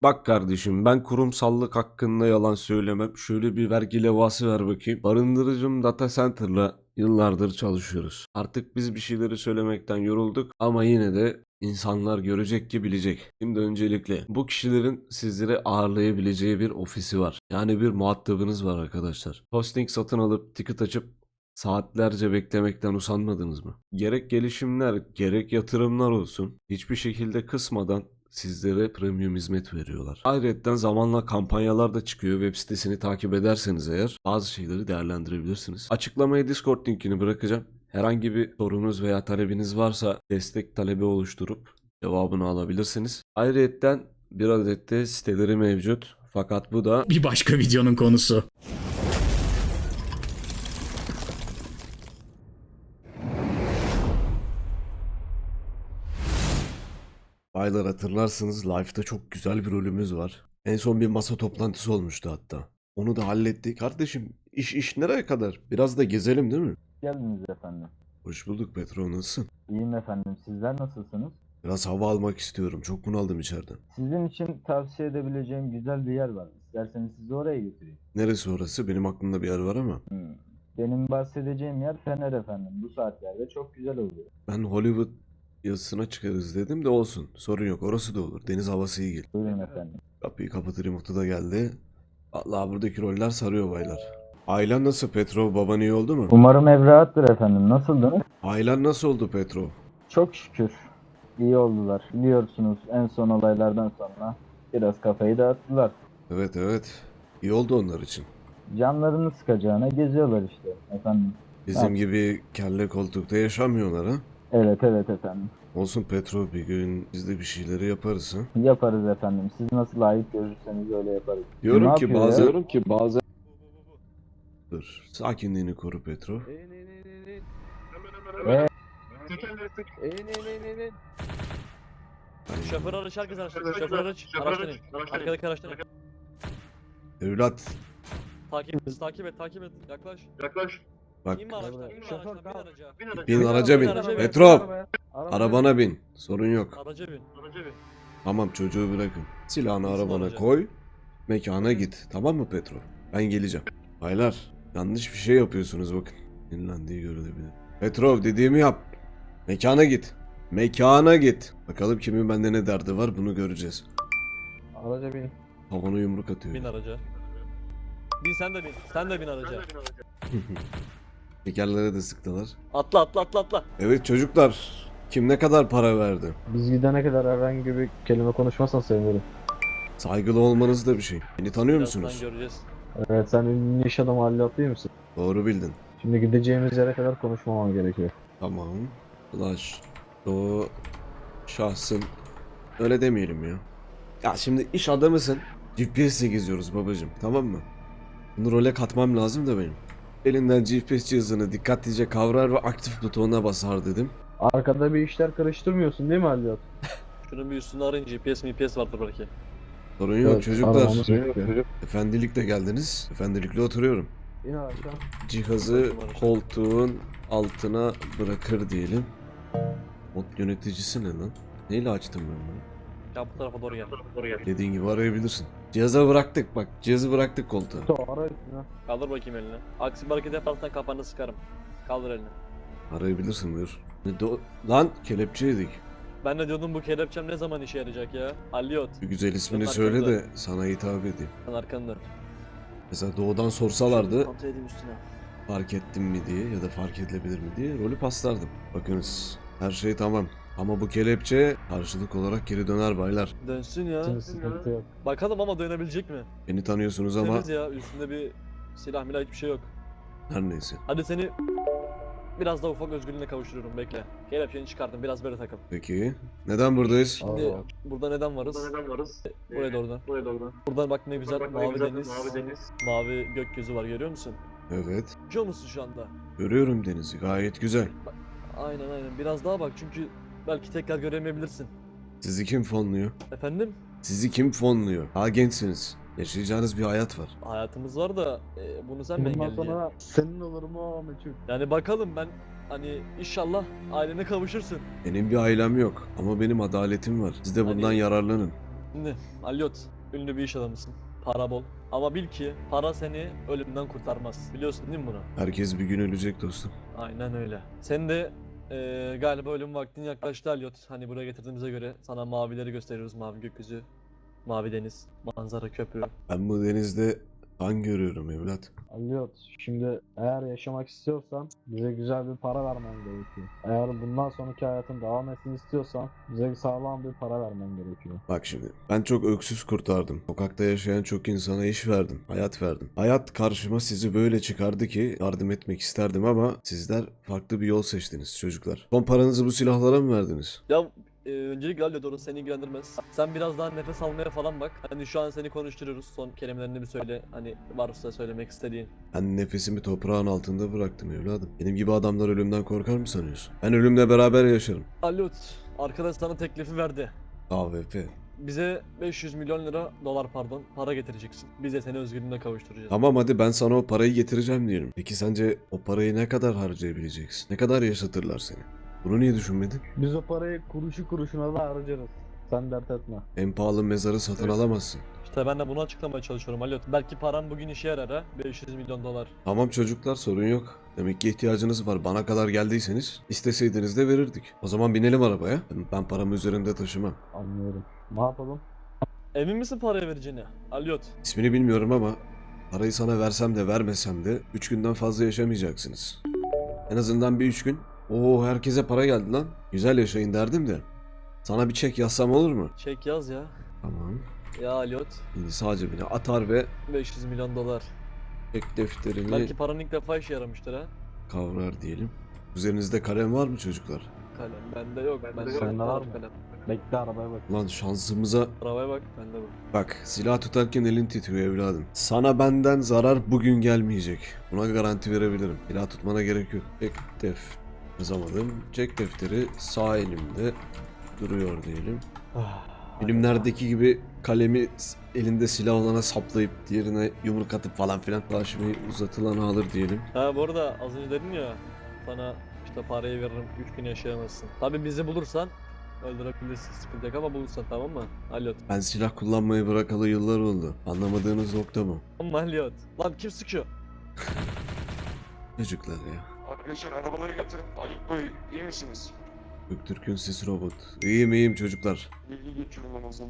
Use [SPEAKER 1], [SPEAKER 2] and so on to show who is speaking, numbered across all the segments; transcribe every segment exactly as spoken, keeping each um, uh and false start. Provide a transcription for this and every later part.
[SPEAKER 1] Bak kardeşim, ben kurumsallık hakkında yalan söylemem. Şöyle bir vergi levhası ver bakayım. Barındırıcım Data Center'la yıllardır çalışıyoruz. Artık biz bir şeyleri söylemekten yorulduk ama yine de insanlar görecek ki bilecek. Şimdi öncelikle bu kişilerin sizlere ağırlayabileceği bir ofisi var. Yani bir muhatabınız var arkadaşlar. Hosting satın alıp ticket açıp saatlerce beklemekten usanmadınız mı? Gerek gelişimler, gerek yatırımlar olsun, hiçbir şekilde kısmadan sizlere premium hizmet veriyorlar. Ayrıca zamanla kampanyalar da çıkıyor. Web sitesini takip ederseniz eğer bazı şeyleri değerlendirebilirsiniz. Açıklamaya Discord linkini bırakacağım. Herhangi bir sorunuz veya talebiniz varsa destek talebi oluşturup cevabını alabilirsiniz. Ayrıca bir adet de siteleri mevcut. Fakat bu da
[SPEAKER 2] Bir başka videonun konusu.
[SPEAKER 1] Baylar, hatırlarsınız live'da çok güzel bir rolümüz var. En son bir masa toplantısı olmuştu hatta. Onu da hallettik. Kardeşim, iş iş nereye kadar? Biraz da gezelim değil mi?
[SPEAKER 3] Geldiniz efendim.
[SPEAKER 1] Hoş bulduk Petro, nasılsın?
[SPEAKER 3] İyiyim efendim. Sizler nasılsınız?
[SPEAKER 1] Biraz hava almak istiyorum. Çok bunaldım içeriden.
[SPEAKER 3] Sizin için tavsiye edebileceğim güzel bir yer var. İsterseniz sizi oraya götüreyim.
[SPEAKER 1] Neresi orası? Benim aklımda bir yer var ama.
[SPEAKER 3] Hmm. Benim bahsedeceğim yer Fener efendim. Bu saatlerde çok güzel oluyor.
[SPEAKER 1] Ben Hollywood yazısına çıkarız dedim de olsun. Sorun yok. Orası da olur. Deniz havası iyi gelir.
[SPEAKER 3] Buyurun efendim.
[SPEAKER 1] Kapıyı kapatır yumurta da geldi. Allah, buradaki roller sarıyor baylar. Ailen nasıl Petro? Baban iyi oldu mu?
[SPEAKER 3] Umarım ev rahattır efendim. Nasıldınız?
[SPEAKER 1] Ailen nasıl oldu Petro?
[SPEAKER 3] Çok şükür. İyi oldular. Biliyorsunuz en son olaylardan sonra biraz kafayı dağıttılar.
[SPEAKER 1] Evet evet. İyi oldu onlar için.
[SPEAKER 3] Canlarını sıkacağına geziyorlar işte efendim.
[SPEAKER 1] Bizim
[SPEAKER 3] Evet.
[SPEAKER 1] gibi kelle koltukta yaşamıyorlar ha.
[SPEAKER 3] Evet evet efendim.
[SPEAKER 1] Olsun Petro, bir gün biz de bir şeyleri yaparız ha.
[SPEAKER 3] Yaparız efendim. Siz nasıl layık görürseniz öyle yaparız.
[SPEAKER 1] Diyorum
[SPEAKER 3] Ne
[SPEAKER 1] ki
[SPEAKER 3] yapıyor ya?
[SPEAKER 1] bazen... Diyorum ki bazen... Dur. Sakinliğini koru Petro.
[SPEAKER 3] Ee,
[SPEAKER 4] Şoför araç, herkes araçta. Şoför araç, araçtan in. Arkadaki araçtan in.
[SPEAKER 1] Evlat.
[SPEAKER 4] Takip et, takip et, takip et. Yaklaş.
[SPEAKER 5] Yaklaş.
[SPEAKER 1] Bak,
[SPEAKER 4] İnme araçtan, inme
[SPEAKER 3] Şoför,
[SPEAKER 4] araçtan, bin
[SPEAKER 3] kalk.
[SPEAKER 4] araca.
[SPEAKER 5] Bin araca.
[SPEAKER 1] bin araca bin.
[SPEAKER 4] Araca bin.
[SPEAKER 1] Petro, arabana bin. Sorun yok.
[SPEAKER 4] Araca bin.
[SPEAKER 5] Araca bin.
[SPEAKER 1] Tamam, çocuğu bırakın. Silahını
[SPEAKER 4] Nasıl
[SPEAKER 1] arabana
[SPEAKER 4] olacak?
[SPEAKER 1] koy. Mekana git. Tamam mı Petro? Ben geleceğim. Baylar, yanlış bir şey yapıyorsunuz bakın. Dinlendiği görülebilir. Petrov, dediğimi yap. Mekana git. Mekana git. Bakalım kimin bende ne derdi var, bunu göreceğiz.
[SPEAKER 3] Araca bin.
[SPEAKER 1] Havana yumruk atıyor.
[SPEAKER 4] Bin araca. Bin sen de bin. Sen de bin araca.
[SPEAKER 1] Tekerlere de sıktılar.
[SPEAKER 4] Atla atla atla atla.
[SPEAKER 1] Evet çocuklar, kim ne kadar para verdi?
[SPEAKER 3] Biz gidene kadar herhangi bir kelime konuşmazsan sevinirim.
[SPEAKER 1] Saygılı olmanız da bir şey. Beni tanıyor
[SPEAKER 4] Birazdan
[SPEAKER 1] musunuz?
[SPEAKER 4] göreceğiz.
[SPEAKER 3] Evet, sen ünlü iş adamı Halil değil misin?
[SPEAKER 1] Doğru bildin.
[SPEAKER 3] Şimdi gideceğimiz yere kadar konuşmamam gerekiyor.
[SPEAKER 1] Tamam. Flash. O şahsın. Öyle demeyelim ya. Ya şimdi iş adamısın. G P S'le geziyoruz babacım, tamam mı? Bunu role katmam lazım da benim. Elinden G P S cihazını dikkatlice kavrar ve aktif butonuna basar dedim.
[SPEAKER 3] Arkada bir işler karıştırmıyorsun değil mi Halil?
[SPEAKER 4] Şunun bir üstünde arayın, G P S, M P S vardır belki.
[SPEAKER 1] Sorun yok
[SPEAKER 3] Evet,
[SPEAKER 1] çocuklar.
[SPEAKER 3] aramamız gerekiyor.
[SPEAKER 1] Efendilikle geldiniz. Efendilikle oturuyorum.
[SPEAKER 3] İn aşağı.
[SPEAKER 1] Cihazı koltuğun altına bırakır diyelim. Mod yöneticisi ne lan? Neyle açtım ben bunu?
[SPEAKER 4] Ya bu tarafa doğru gel.
[SPEAKER 5] Doğru gel.
[SPEAKER 1] Dediğin gibi arayabilirsin. Cihaza bıraktık bak. Cihazı bıraktık koltuğa.
[SPEAKER 3] Ara üstüne.
[SPEAKER 4] Kaldır bakayım elini. Aksi bir hareket yaparsan kafanı sıkarım. Kaldır elini.
[SPEAKER 1] Arayabilirsin, buyur. Ne do- Lan kelepçeydik.
[SPEAKER 4] Ben de diyordum bu kelepçem ne zaman işe yarayacak ya? Aliyot.
[SPEAKER 1] Bir güzel ismini
[SPEAKER 4] Sen
[SPEAKER 1] söyle
[SPEAKER 4] arkanda.
[SPEAKER 1] de sana hitap edeyim.
[SPEAKER 4] Sen arkanda.
[SPEAKER 1] Mesela doğudan sorsalardı
[SPEAKER 4] Kontrol edeyim üstüne.
[SPEAKER 1] fark ettim mi diye ya da fark edilebilir mi diye rolü paslardım. Bakınız, her şey tamam. Ama bu kelepçe karşılık olarak geri döner baylar.
[SPEAKER 4] Dönsün ya.
[SPEAKER 3] Şimdi sıkıntı yok.
[SPEAKER 4] Bakalım ama dönebilecek mi?
[SPEAKER 1] Beni tanıyorsunuz ama
[SPEAKER 4] Temiz ya, üstünde bir silah milah hiçbir şey yok.
[SPEAKER 1] her neyse.
[SPEAKER 4] Hadi seni biraz daha ufak özgürlüğüne kavuşturuyorum, bekle. Kelepçeni çıkardım, biraz böyle takıl.
[SPEAKER 1] Peki neden buradayız?
[SPEAKER 4] Şimdi
[SPEAKER 3] Allah.
[SPEAKER 4] burada neden varız?
[SPEAKER 5] Burada neden varız?
[SPEAKER 4] Buraya doğrudan.
[SPEAKER 5] Buraya doğru.
[SPEAKER 4] Buradan bak ne güzel
[SPEAKER 5] Bak,
[SPEAKER 4] mavi
[SPEAKER 5] güzel,
[SPEAKER 4] deniz,
[SPEAKER 5] Mavi deniz.
[SPEAKER 4] mavi gökyüzü var, görüyor musun?
[SPEAKER 1] Evet,
[SPEAKER 4] Görüyor musun şu anda?
[SPEAKER 1] görüyorum denizi, gayet güzel.
[SPEAKER 4] Aynen aynen, biraz daha bak çünkü belki tekrar göremeyebilirsin.
[SPEAKER 1] Sizi kim fonluyor?
[SPEAKER 4] Efendim?
[SPEAKER 1] Sizi kim fonluyor? Daha gençsiniz. Yaşayacağınız bir hayat var.
[SPEAKER 4] Hayatımız var da e, bunu sen mi
[SPEAKER 3] Bundan
[SPEAKER 4] engelleyeceksin?
[SPEAKER 3] sonra senin olurum o meçhul.
[SPEAKER 4] Yani bakalım, ben hani inşallah ailene kavuşursun.
[SPEAKER 1] Benim bir ailem yok ama benim adaletim var. Siz de bundan
[SPEAKER 4] Hani-
[SPEAKER 1] yararlanın.
[SPEAKER 4] Şimdi Alyot, ünlü bir iş adamısın. Para bol. Ama bil ki para seni ölümden kurtarmaz. Biliyorsun değil mi bunu?
[SPEAKER 1] Herkes bir gün ölecek dostum.
[SPEAKER 4] Aynen öyle. Sen de eee, galiba ölüm vaktin yaklaştı Alyot. Hani buraya getirdiğimize göre sana mavileri gösteriyoruz. Mavi gökyüzü, mavi deniz, manzara köprü.
[SPEAKER 1] Ben bu denizde kan görüyorum evlat.
[SPEAKER 2] Aliyot, şimdi eğer yaşamak istiyorsan bize güzel bir para vermen gerekiyor. Eğer bundan sonraki hayatın devam etsin istiyorsan bize sağlam bir para vermen gerekiyor.
[SPEAKER 1] Bak şimdi ben çok öksüz kurtardım. Sokakta yaşayan çok insana iş verdim. Hayat verdim. Hayat karşıma sizi böyle çıkardı ki yardım etmek isterdim ama sizler farklı bir yol seçtiniz çocuklar. Son paranızı bu silahlara mı verdiniz?
[SPEAKER 4] Ya eee, öncelikle Alyot, orası seni ilgilendirmez. Sen biraz daha nefes almaya falan bak. Hani şu an seni konuşturuyoruz. Son kelimelerini bir söyle. Hani varsa söylemek istediğin.
[SPEAKER 1] Ben nefesimi toprağın altında bıraktım evladım. Benim gibi adamlar ölümden korkar mı sanıyorsun? Ben ölümle beraber yaşarım.
[SPEAKER 4] Alyot, arkadaş sana teklifi verdi.
[SPEAKER 1] A V P.
[SPEAKER 4] Bize beş yüz milyon lira, dolar pardon, para getireceksin. Biz de seni özgürlüğüne kavuşturacağız.
[SPEAKER 1] Tamam hadi ben sana o parayı getireceğim diyelim. Peki sence o parayı ne kadar harcayabileceksin? Ne kadar yaşatırlar seni? Bunu niye düşünmedin?
[SPEAKER 2] Biz o parayı kuruşu kuruşuna da harcarız. Sen dert etme.
[SPEAKER 1] En pahalı mezarı satın alamazsın.
[SPEAKER 4] İşte ben de bunu açıklamaya çalışıyorum Alyot. Belki param bugün işe yarar ha. beş yüz milyon dolar.
[SPEAKER 1] Tamam çocuklar sorun yok. Demek ki ihtiyacınız var. Bana kadar geldiyseniz isteseydiniz de verirdik. O zaman binelim arabaya. Ben, ben paramı üzerimde taşımam.
[SPEAKER 2] Anlıyorum. Ne yapalım?
[SPEAKER 4] Emin misin paraya vereceğine? Alyot.
[SPEAKER 1] İsmini bilmiyorum ama parayı sana versem de vermesem de üç günden fazla yaşamayacaksınız. En azından bir üç gün. Oo herkese para geldi lan. Güzel yaşayın derdim de. Sana bir çek yazsam olur mu?
[SPEAKER 4] Çek yaz ya.
[SPEAKER 1] Tamam.
[SPEAKER 4] Ya Alyot.
[SPEAKER 1] Şimdi sağ cebine atar ve
[SPEAKER 4] beş yüz milyon dolar.
[SPEAKER 1] çek defterini
[SPEAKER 4] Belki paranın ilk defa işe yaramıştır ha.
[SPEAKER 1] kavrar diyelim. Üzerinizde kalem var mı çocuklar?
[SPEAKER 4] Kalem bende yok. Bende
[SPEAKER 2] yok. Sende var mı?
[SPEAKER 4] kalem.
[SPEAKER 2] Bekle arabaya bak.
[SPEAKER 1] Lan şansımıza
[SPEAKER 4] Arabaya bak, bende bu.
[SPEAKER 1] bak, silah tutarken elin titriyor evladım. Sana benden zarar bugün gelmeyecek. Buna garanti verebilirim. Silah tutmana gerek yok. Çek def yazamadım. Çek defteri sağ elimde duruyor diyelim. Filmlerdeki gibi kalemi s- elinde silah olana saplayıp diğerine yumruk atıp falan filan taşımayı uzatılan alır diyelim.
[SPEAKER 4] Ha bu arada az önce dedin ya, sana işte parayı veririm, üç gün yaşayamazsın. Tabi bizi bulursan öldürebilirsin, sıkıntı yok ama bulursan, tamam mı? Alyot.
[SPEAKER 1] Ben silah kullanmayı bırakalı yıllar oldu. Anlamadığınız nokta bu.
[SPEAKER 4] Tamam Alyot. Lan kim sıkıyor?
[SPEAKER 1] Çocuklar ya.
[SPEAKER 5] Arkadaşlar arabaları getirin. Ayıp Bey iyi misiniz?
[SPEAKER 1] Göktürk'ün sesi robot. İyiyim iyiyim çocuklar.
[SPEAKER 5] Bilgi geçirin en azından.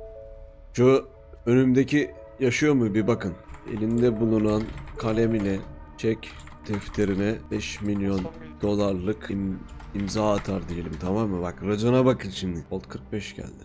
[SPEAKER 1] Şu önümdeki yaşıyor mu bir bakın. Elinde bulunan kalem ile çek defterine beş milyon dolarlık im- imza atar diyelim, tamam mı? Bak racona bakın şimdi. Volt kırk beş geldi.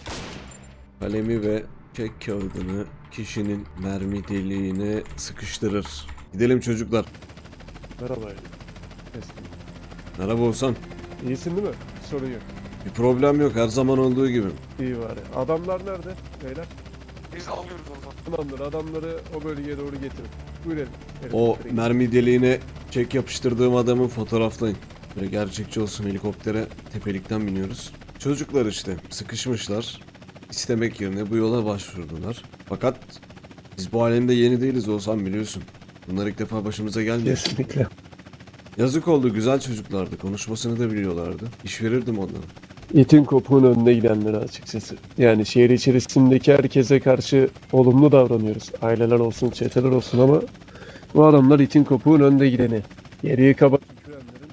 [SPEAKER 1] Kalemi ve çek kağıdını kişinin mermi deliğine sıkıştırır. Gidelim çocuklar.
[SPEAKER 6] Merhaba. Eski.
[SPEAKER 1] Merhaba Oğuzhan.
[SPEAKER 6] İyisin değil mi? Sorun yok.
[SPEAKER 1] Bir problem yok, her zaman olduğu gibi.
[SPEAKER 6] İyi bari. Adamlar nerede? Beyler.
[SPEAKER 5] Biz alıyoruz o zaman.
[SPEAKER 6] Tamamdır. Adamları o bölgeye doğru getirin. Buyurun.
[SPEAKER 1] O mermi deliğine çek yapıştırdığım adamı fotoğraflayın. Böyle gerçekçi olsun, helikoptere tepelikten biniyoruz. Çocuklar işte sıkışmışlar. İstemek yerine bu yola başvurdular. Fakat biz bu alemde yeni değiliz Oğuzhan, biliyorsun. Bunlar ilk defa başımıza gelmiyor.
[SPEAKER 6] Kesinlikle.
[SPEAKER 1] Yazık oldu, güzel çocuklardı. Konuşmasını da biliyorlardı. İş verirdim onlara.
[SPEAKER 6] İtin kopuğun önüne gidenleri açıkçası. Yani şehir içerisindeki herkese karşı olumlu davranıyoruz. Aileler olsun, çeteler olsun ama bu adamlar itin kopuğun önde gideni. Geriye kaba tükürenlerin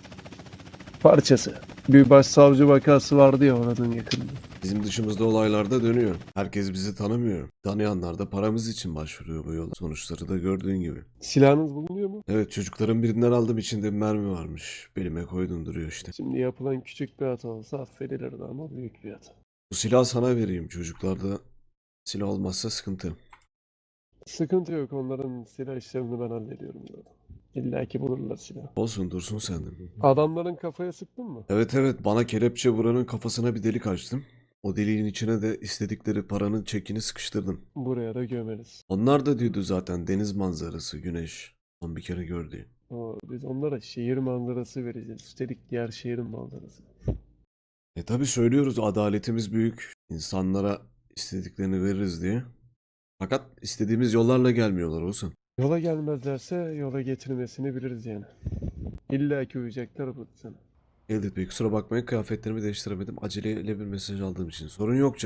[SPEAKER 6] parçası. Bir başsavcı vakası vardı ya oranın yakınında.
[SPEAKER 1] Bizim dışımızda olaylar da dönüyor. Herkes bizi tanımıyor. Tanıyanlar da paramız için başvuruyor bu yola. Sonuçları da gördüğün gibi.
[SPEAKER 6] Silahınız bulunuyor mu?
[SPEAKER 1] Evet, çocukların birinden aldım, içinde bir mermi varmış. Belime koydum, duruyor işte.
[SPEAKER 6] Şimdi yapılan küçük bir hata olsa affedilirdi ama büyük bir hata.
[SPEAKER 1] Bu silahı sana vereyim, çocuklarda silah olmazsa sıkıntı.
[SPEAKER 6] Sıkıntı yok. Onların silah işlerini ben hallediyorum zaten. İlla ki bulurlar silah.
[SPEAKER 1] Olsun, dursun sen de.
[SPEAKER 6] Adamların kafaya sıktın mı?
[SPEAKER 1] Evet evet, bana kelepçe vuranın kafasına bir delik açtım. O deliğin içine de istedikleri paranın çekini sıkıştırdım.
[SPEAKER 6] Buraya da gömeriz.
[SPEAKER 1] Onlar da diyordu zaten, deniz manzarası, güneş. Son bir kere gördü.
[SPEAKER 6] O, biz onlara şehir manzarası vereceğiz. Üstelik diğer şehrin manzarası.
[SPEAKER 1] E tabi söylüyoruz, adaletimiz büyük. İnsanlara istediklerini veririz diye. Fakat istediğimiz yollarla gelmiyorlar Oğuzhan.
[SPEAKER 6] Yola gelmezlerse yola getirmesini biliriz yani. İlla ki uyacaklar bu sana.
[SPEAKER 1] Elbet Bey, kusura bakmayın, kıyafetlerimi değiştiremedim. Aceleyle bir mesaj aldığım için. Sorun yok Can.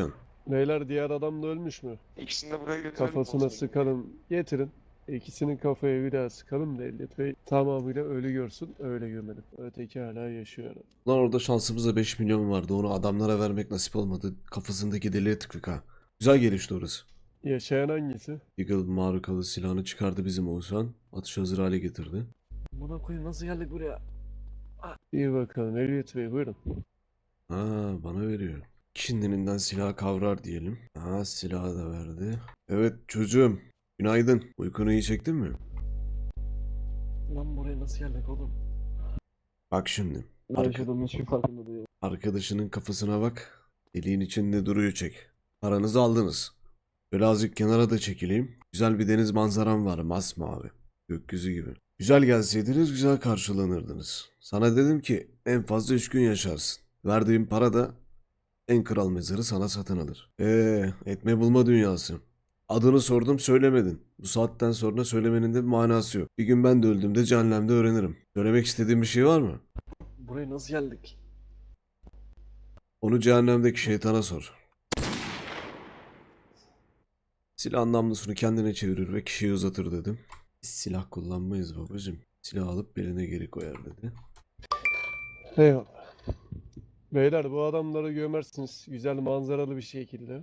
[SPEAKER 6] Beyler diğer adam da ölmüş mü?
[SPEAKER 5] İkisini de buraya getirelim.
[SPEAKER 6] Kafasına
[SPEAKER 5] olsun.
[SPEAKER 6] sıkalım. Getirin. İkisinin kafaya bir daha sıkalım da Elliot Bey tamamıyla ölü görsün. Öyle gömelim. Öteki hala yaşıyor.
[SPEAKER 1] Lan orada şansımızda beş milyon vardı. Onu adamlara vermek nasip olmadı. Kafasındaki deliğe tıktık ha. Güzel gelişti orası.
[SPEAKER 6] Yaşayan hangisi?
[SPEAKER 1] Eagle marukalı silahını çıkardı bizim Oğuzhan. Atış hazır hale getirdi.
[SPEAKER 4] Buna koyayım nasıl geldik buraya?
[SPEAKER 6] İyi bakalım Elliot Bey buyurun.
[SPEAKER 1] Ha, bana veriyor. Şimdininden silah kavrar diyelim. Ha, silahı da verdi. Evet çocuğum. Günaydın. Uykunu iyi çektin mi?
[SPEAKER 4] Lan buraya nasıl geldik oğlum?
[SPEAKER 1] Bak şimdi.
[SPEAKER 2] Ne
[SPEAKER 1] Arka-
[SPEAKER 2] yaşadığımın hiçbir farkında değilim.
[SPEAKER 1] arkadaşının kafasına bak. Deliğin içinde duruyor çek. Paranızı aldınız. Böyle azıcık kenara da çekileyim. Güzel bir deniz manzaram var. Masmavi. Gökyüzü gibi. Güzel gelseydiniz güzel karşılanırdınız. Sana dedim ki en fazla üç gün yaşarsın. Verdiğim para da en kral mezarı sana satın alır. Eee etme bulma dünyası. Adını sordum söylemedin. Bu saatten sonra söylemenin de bir manası yok. Bir gün ben de öldüğümde cehennemde öğrenirim. Söylemek istediğin bir şey var mı?
[SPEAKER 4] Buraya nasıl geldik?
[SPEAKER 1] Onu cehennemdeki şeytana sor. Silah namlusunu kendine çevirir ve kişiyi uzatır dedim. Biz silah kullanmayız babacım. Silah alıp beline geri koyar dedi.
[SPEAKER 6] Eyvallah. Beyler bu adamları gömersiniz güzel manzaralı bir şekilde.